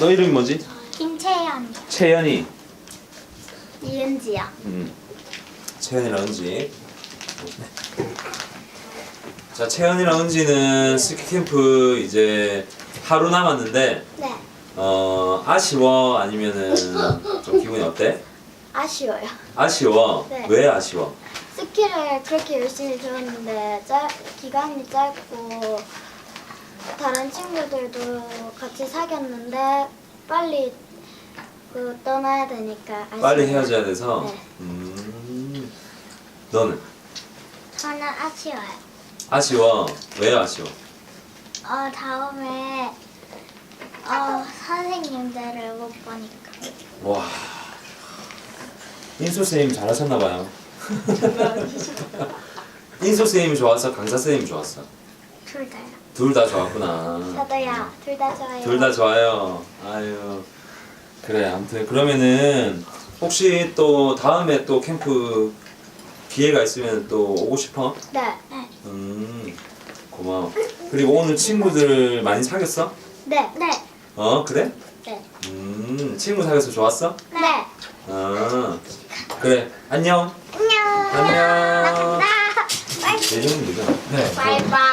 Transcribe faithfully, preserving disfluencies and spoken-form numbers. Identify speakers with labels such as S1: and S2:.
S1: 너 이름이 뭐지?
S2: 김채연.
S1: 채연이.
S2: 이은지요.
S1: 음. 채연이랑 은지. 자, 채연이랑 은지는 스키 캠프 이제 하루 남았는데
S2: 네.
S1: 어 아쉬워 아니면은 좀 기분이 어때?
S2: 아쉬워요.
S1: 아쉬워.
S2: 네.
S1: 왜 아쉬워?
S2: 스키를 그렇게 열심히 배웠는데 짧, 기간이 짧고 다른 친구들도 같이 사귀었는데 빨리 그 떠나야 되니까 아쉬워요.
S1: 빨리 헤어져야 돼서.
S2: 네.
S1: 음. 너는
S2: 저는 아쉬워요.
S1: 아쉬워. 왜 아쉬워?
S2: 어 다음에 어 선생님들을 못 보니까.
S1: 와. 인수 쌤 잘하셨나 봐요. 인수 쌤이 좋았어, 강사 쌤이 좋았어.
S2: 둘 다요.
S1: 둘 다 좋았구나.
S2: 저도요. 둘 다 좋아요.
S1: 둘 다 좋아요. 아유. 그래, 아무튼 그러면은 혹시 또 다음에 또 캠프 기회가 있으면 또 오고 싶어?
S2: 네. 네.
S1: 음. 고마워. 그리고 오늘 친구들 많이 사귀었어?
S2: 네. 네.
S1: 어, 그래?
S2: 네.
S1: 음. 친구 사귀어서 좋았어?
S2: 네.
S1: 아. 그래. 안녕.
S2: 안녕.
S1: 안녕.
S2: 나.
S1: 내 이름은 누구야?
S3: 네.
S2: 바이바이.